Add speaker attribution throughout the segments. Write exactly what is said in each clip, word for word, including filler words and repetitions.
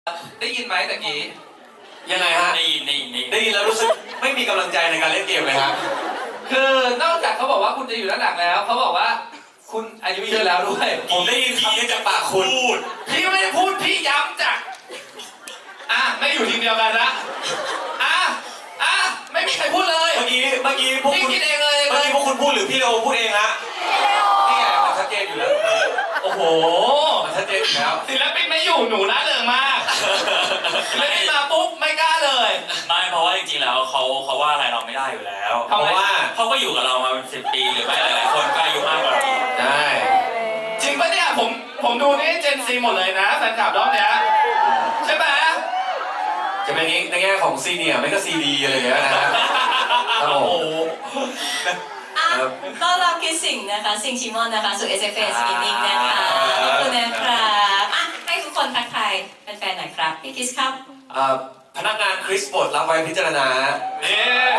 Speaker 1: ได้ยินไหมตะกี้
Speaker 2: ยังไงฮะ
Speaker 3: ได้ยินได้ยิน
Speaker 2: ได้ยินแล้วรู้สึกไม่มีกำลังใจในการเล่นเกมเลยฮะ
Speaker 1: คือนอกจากเขาบอกว่าคุณจะอยู่ด้านหลังแล้วเขาบอกว่าคุณอายุเยอะแล้วด้วย
Speaker 2: ผมได้ยินคำนี้จากปากคุณ
Speaker 1: พี่ไม่ได้พูดพี่ย้ำจากอ่ะไม่อยู่ทีมเดียวกันละอ่ะอ่ะไม่มีใครพูดเลย
Speaker 2: เมื่อกี้เมื่อกี้พวก
Speaker 1: พี่
Speaker 2: คุณ
Speaker 1: คิดเองเลย
Speaker 2: เมื่อกี้พวกคุณพูดหรือพี่เลโอพูดเองฮะนี่ไงมันชัดเจนอยู่แล้ว
Speaker 1: โอ้โห
Speaker 2: มันชัดเจนอยู่แล้ว
Speaker 1: ศิลปินไม่อยู่หนูน่าเริงมากศิลปินมาปุ๊บไม่กล้าเลย
Speaker 3: ไม่เพราะว่าจริงๆแล้วเขาเขาว่าอะไรเราไม่ได้อยู่แล้ว
Speaker 2: เพราะว่า
Speaker 3: เขาก็อยู่กับเรามาเป็นสิบปีหรือไม่หลายๆคนก็อายุมากกว่าเรา
Speaker 2: ใช่
Speaker 1: จริงปะเนี่ยผมผมดูนี่เจนซีหมดเลยนะแฟนคลับรอบเนี้ยใช่ไหม
Speaker 2: จะเป็นในแง่ของซีเนียร์ไม่ก็ซีดีอะไรอย่างเงี้ยนะฮะโอ้โห
Speaker 4: ต้อนรับคิดสิ่งนะคะสิ่งชิมอนนะคะสู่ เอส เอฟ เอ Skinning นะคะขอบคุณนะครับอ่ะให้ทุกคนทักทายแฟนๆหน่อยครับพี่คิสครับ
Speaker 2: พนักงานคริสบดรับไว้พิจารณา
Speaker 1: เนี่ย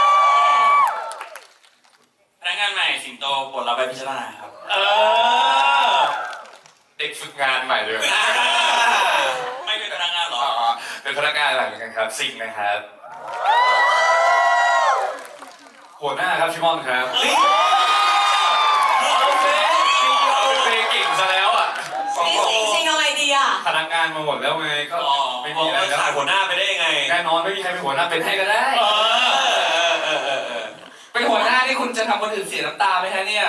Speaker 3: พนักงานใหม่สิงโตบทรับไปพิจารณาครับ
Speaker 1: เออ
Speaker 5: เด็กฝึกงานใหม่เลย
Speaker 3: ไม่เป็นพนักงานหรอ
Speaker 5: เป็นพนักงานใหม่เหมือนกันครับซิงนะครับหัวหน้าครับชิมอนครับ
Speaker 1: โอเค
Speaker 5: เฟเก่งซะแล้วอ่ะ
Speaker 4: พี่สิงสิงอะไรดีอ่ะ
Speaker 5: พนักงานมาหมดแล้วไงก็ไม่มีอะไรแล้ว
Speaker 2: ขาดหัวหน้าไปได้ยังไง
Speaker 5: แน่นอนไม่มีใครเป็นหัวหน้าเป็นให้ก็ได้
Speaker 1: เป็นหัวหน้าที่คุณจะทำคนอื่นเสียน้ำตาไหมฮะเนี่ย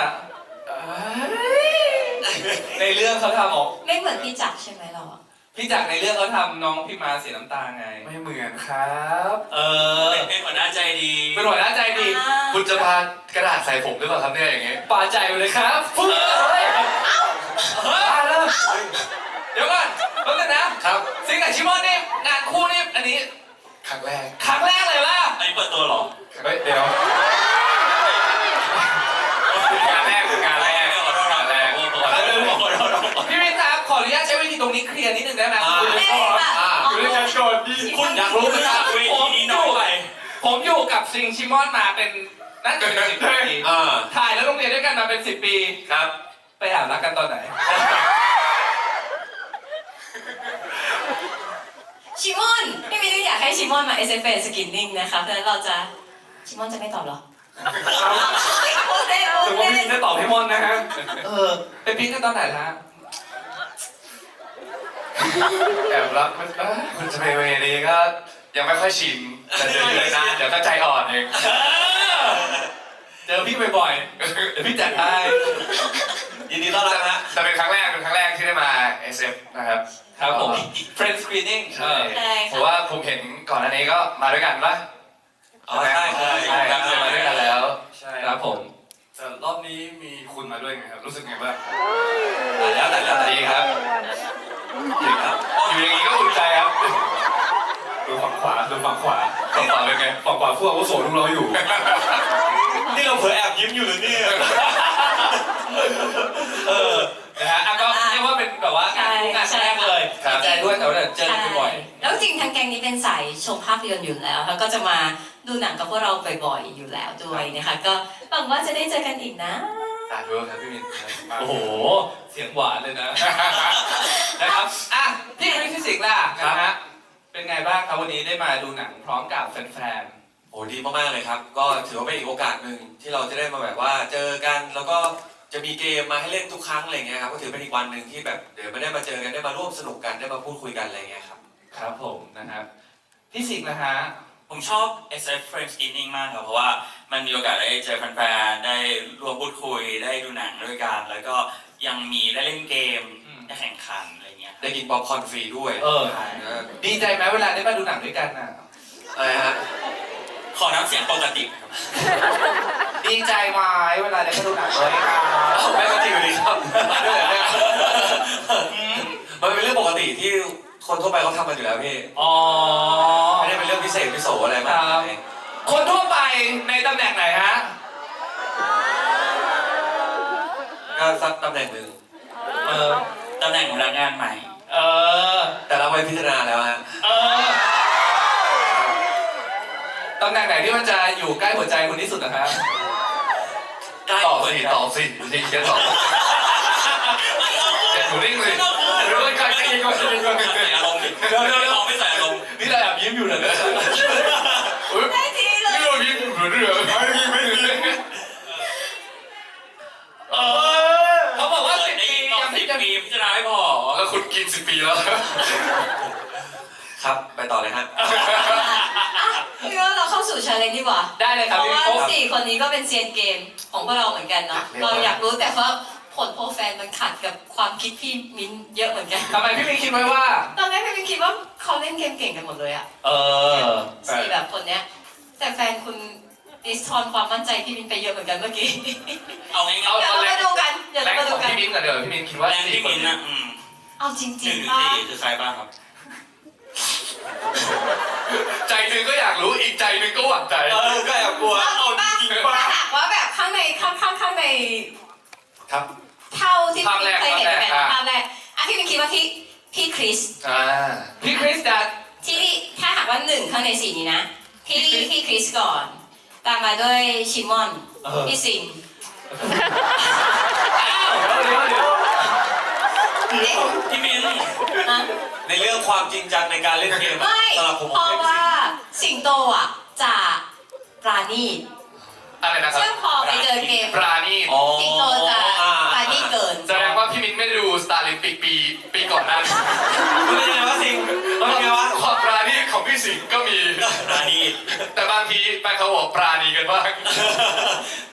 Speaker 1: ในเรื่องเขาทำออก
Speaker 4: ไม่เหมือนพี่จักรใช่ไหมเรา
Speaker 1: พี่จักรในเรื่องเขาทำน้องพี่มาเสียน้ำตาไง
Speaker 5: ไม่เหมือนครับ
Speaker 1: เออ
Speaker 3: เป็นหัวหน้าใจดี
Speaker 1: เป็นหัวหน้าใจดี
Speaker 5: คุณจะพากระดาษใส่ผมหรือเปล่าครับเนี่ยอย่างเงี้ย
Speaker 1: ป่าใจเลยครับเฮ้ยเฮ้ยเดี๋ยวก่อนแป๊บนึงนะครับซิงกับชิมอนนี่งานคู่นี่อันนี้
Speaker 5: ครั้งแรก
Speaker 1: ครั้งแรกเลยล่ะ
Speaker 3: อันนี้เปิดตัวหรอ
Speaker 5: เฮ้ยเดี๋ยวงานแรกคืองานแรก
Speaker 3: ขอโทษนะแรก
Speaker 1: พี่วินครับขออนุญาตใช้วิธีตรงนี้เคลียร์นิดนึงได้ไหม
Speaker 4: คุณเลยค่ะ
Speaker 5: คุณเลยจะโชว์ดี
Speaker 1: คุณอยากรู้ไหมครับผมอยู่ผมอยู่กับซิงชิมอนมาเป็นน่าจะเป็นสิบปีถ่ายแล้วโรงเรียนด้วยกันมาเป็นสิบปี
Speaker 2: ครับ
Speaker 1: ไปอาบรักกันตอนไหน
Speaker 4: ชิมอนพี่วินอยากให้ชิมอนมา เอส เอฟ เอ Skinning นะคะเพราะฉะนั้นเราจะชิมอนจะไม่ตอบหรอโอเคโอ
Speaker 1: เคถือว่าพี่ได้ตอบให้มอนนะฮะเออไปปิ๊งกันตอนไหนฮะ
Speaker 5: แอบรักคุณจะไปเวนี้ก็ยังไม่ค่อยชินแต่เดี๋ยวอยู่เลยนะเดี๋ยวก็ใจอ่อนเอง
Speaker 1: เจอพี่บ่อยๆเดี๋ยวพี่จัดให้
Speaker 2: ยินดีต้อนรับนะ
Speaker 5: แต่เป็นครั้งแรกเป็นครั้งแรกที่ได้มา เอส เอฟ นะครับ
Speaker 1: ครับผม Friend Screening
Speaker 5: ใช่เพราะว่าผมเห็นก่อนอันนี้ก็มาด้วยกันปะ
Speaker 2: อ๋อใช่ใช่
Speaker 5: ใช่ครับเคยมาด้วยกันแล้ว
Speaker 1: ใช่ครับผม
Speaker 5: แต่รอบนี้มีคุณมาด้วยไงครับรู้สึกไงบ้าง
Speaker 2: แต่แล้วแต่แล้ว
Speaker 5: ดีครับดีครับอยู่อย่างนี้ก็อุ่นใจครับดูฝั่งขวาดูฝั่งขวาฝั่งขวาเป็นไงฝั่งขวาพวกอาวุโสดูเราอยู่
Speaker 2: นี่เราเผลอแอบยิ้มอยู่เลยเนี่ย
Speaker 1: เออนะฮะก็เรียกว่าเป็นแบบว่างานคู่งานแรกเลยดีใจด้วยแต่ว่าเจอกันบ่อย
Speaker 4: แล้วจริงทางแกงนี้เป็นสายชมภาพยนตร์อยู่แล้วแล้วก็จะมาดูหนังกับพวกเราบ่อยๆอยู่แล้วด้วยนะคะก็หวังว่าจะได้เจอกันอีกนะ
Speaker 5: สาธุครับพี่มิน
Speaker 1: โอ้โหเสียงหวานเลยนะนะครับอ่ะพี่วิทย์สิงห์ล่ะนะฮะเป็นไงบ้างครับวันนี้ได้มาดูหนังพร้อมกับแฟน
Speaker 2: ๆโอ้ดีมากๆเลยครับก็ถือว่าเป็นอีกโอกาสหนึ่งที่เราจะได้มาแบบว่าเจอกันแล้วก็จะมีเกมมาให้เล่นทุกครั้งอะไรเงี้ยครับก็ถือเป็นอีกวันหนึ่งที่แบบเดี๋ยวไม่ได้มาเจอกันได้มาร่วมสนุกกันได้มาพูดคุยกันอะไรเงี้ยครับ
Speaker 1: ครับผมนะครับพี่สิงห์นะฮะ
Speaker 3: ผมชอบ เอส เอฟ Friend Screening มากครับเพราะว่ามันมีโอกาสได้เจอแฟนๆได้ร่วมพูดคุยได้ดูหนังด้วยกันแล้วก็ยังมีได้เล่นเกมได้แข่งขันอะไรเงี้ย
Speaker 2: ได้กินป๊อปคอร์นฟรีด้วย
Speaker 1: เออดีใจไหมเวลาได้มาดูหนังด้วยกันน่ะ
Speaker 2: อะไรฮะ
Speaker 3: ขอน้ำเสียงปกติครับ
Speaker 1: ดีใจไหมเวลาได้มาดูหนังด้วยกัน
Speaker 2: ไม่ปกติอยู่ดีครับมันเป็นเรื่องปกติที่คนทั่วไปเขาทำกันอยู่แล้วพี่
Speaker 1: อ๋อ
Speaker 2: ไม่ได้เป็นเรื่องพิเศษพิโสอะไรมาก
Speaker 1: คนทั่วไปในตำแหน่งไหนฮะ
Speaker 2: ก็สักตำแหน่งหนึ่ง
Speaker 1: เออ
Speaker 3: ตำแหน่งพนักงานใหม่
Speaker 1: เออ
Speaker 2: แต่เราไปพิจารณาแล้วฮะ
Speaker 1: เออตำแหน่งไหนที่มันจะอยู่ใกล้หัวใจคุณที่สุดนะครับ
Speaker 5: ตอบสิตอบสิจริงจะตอบอย่าถูนิ่งเลยรู้ว่าใครจะยิงก่อนใจเย็นก่อน
Speaker 3: ใส่อารมณ์ดิเดี๋ยวเดี๋ยวไม่ใส่อารมณ์
Speaker 5: นี่เราแอบยิ้มอยู่เลยนะเฮ้ย
Speaker 4: ได้ทีเลย
Speaker 5: นี่เรายิ้มเหมือนเรือไม่มีไม่มีเออ
Speaker 1: เขาบอกว่าสิบ
Speaker 3: ได้
Speaker 1: ปี
Speaker 3: ยินตอน
Speaker 1: ยัง
Speaker 3: สิ
Speaker 1: ไม่
Speaker 3: บ
Speaker 1: จะ
Speaker 3: ปีพิจารณาไม่พอ
Speaker 5: แล้วคุณกินสิบปีแล้ว
Speaker 2: ครับไปต่อเลยฮะ
Speaker 4: พี่ว่าเราเข้าสู่ชาเลนจ์ดีกว่า
Speaker 1: ได้เลยค
Speaker 4: เพ
Speaker 1: รับ
Speaker 4: ราะ
Speaker 1: พี่
Speaker 4: ว่า
Speaker 1: โป๊ะ
Speaker 4: สี่คนนี้ก็เป็นเซียนเกมของพวกเราเหมือนกันเนาะ
Speaker 2: เรียกว่า
Speaker 4: เราอยากรู้แต่ว่าผลโพลแฟนมันขัดกับความคิดพี่มิ้นเยอะเหมือนกัน
Speaker 1: ทำไมพี่มิ้นคิดไว้ว่า
Speaker 4: ตอนแรกพี่มิ้นคิดว่าเขาเล่นเกมเก่งกันหมดเลยอะ
Speaker 1: เออ
Speaker 4: สี่แบบคนเนี้ย แต่แฟนคุณดิสทอนความมั่นใจพี่มิ้นไปเยอะเหมือนกันเมื่อกี้
Speaker 3: เอาง่าย
Speaker 4: เดี๋ยวเรามาดูกันเดี๋ยว
Speaker 5: แร
Speaker 4: เรา
Speaker 5: ง
Speaker 4: มา
Speaker 5: ข
Speaker 4: ดู
Speaker 5: อง
Speaker 4: กัน
Speaker 5: พี่มิ้นท์กับเดี๋ยวพี่มิ้นท์คิด
Speaker 3: ๆ
Speaker 5: ว่า
Speaker 3: แรง
Speaker 5: สี่
Speaker 3: ที่
Speaker 5: คน
Speaker 3: มินนะอืม
Speaker 4: เอาจ
Speaker 3: ห
Speaker 4: ริ
Speaker 3: นึ่
Speaker 4: ง
Speaker 3: ง
Speaker 4: ๆ
Speaker 3: ถึง
Speaker 4: ป่ะ
Speaker 3: สี่คือใครบ้างครับ
Speaker 5: ใจหนึ่งก็อยากรู้อีกใจหนึ่งก็หวั่นใจ
Speaker 2: เออก็แอบกลัว
Speaker 4: เอาจริงป่ะถ้าหากว่าแบบข้างในข้างข้างข้างใน
Speaker 5: ครับ
Speaker 4: เท่าที่
Speaker 5: ภาพ
Speaker 4: พี่
Speaker 5: แรก
Speaker 4: เคยเห็น
Speaker 5: ภาพแรก
Speaker 4: แบบ
Speaker 5: อ่ะ
Speaker 4: ภาพแรกอ่ะพี่มิ้นคิดว่าพี่พี่คริส
Speaker 5: อ่า
Speaker 1: พี่คริสจะ
Speaker 4: ที่ถ้าหากว่าหนึ่งข้างในสี่นี้นะพี่
Speaker 1: พี่คริส
Speaker 4: พี่คริสก่อน ตามมาด้วยชิมอน
Speaker 1: เออ
Speaker 4: พี่ซิม
Speaker 1: อ้าวเดี๋ยวเดี๋ยวเดี๋ยว
Speaker 4: เอ๊ะ
Speaker 3: พี่มิน
Speaker 4: ฮะ
Speaker 2: ในเรื่องความจริงจังในการเล่นเกมอะ
Speaker 4: ไม่
Speaker 2: สำหรับผม
Speaker 4: เพราะว่าสิงโตอ่ะจะปราณีต
Speaker 5: อะไรนะครับ
Speaker 4: ซึ่งพอไปเจอเกม
Speaker 5: ปราณีต
Speaker 2: อ๋อ
Speaker 4: สิงโตจะ
Speaker 2: อ่า
Speaker 4: ปราณีตเกิน
Speaker 5: แสดงว่าพี่มิ้นท์ไม่ได้ดูสตาร์ลิมปิกปีปีก่อนหน้านี้
Speaker 2: คุณเป็นยังไงวะสิงห์เป็นยังไงวะ
Speaker 5: ความปราณีตของพี่สิงห์ก็มี
Speaker 2: รานี
Speaker 5: แต่บางทีไปเขาบอกปราณีกันบ้าง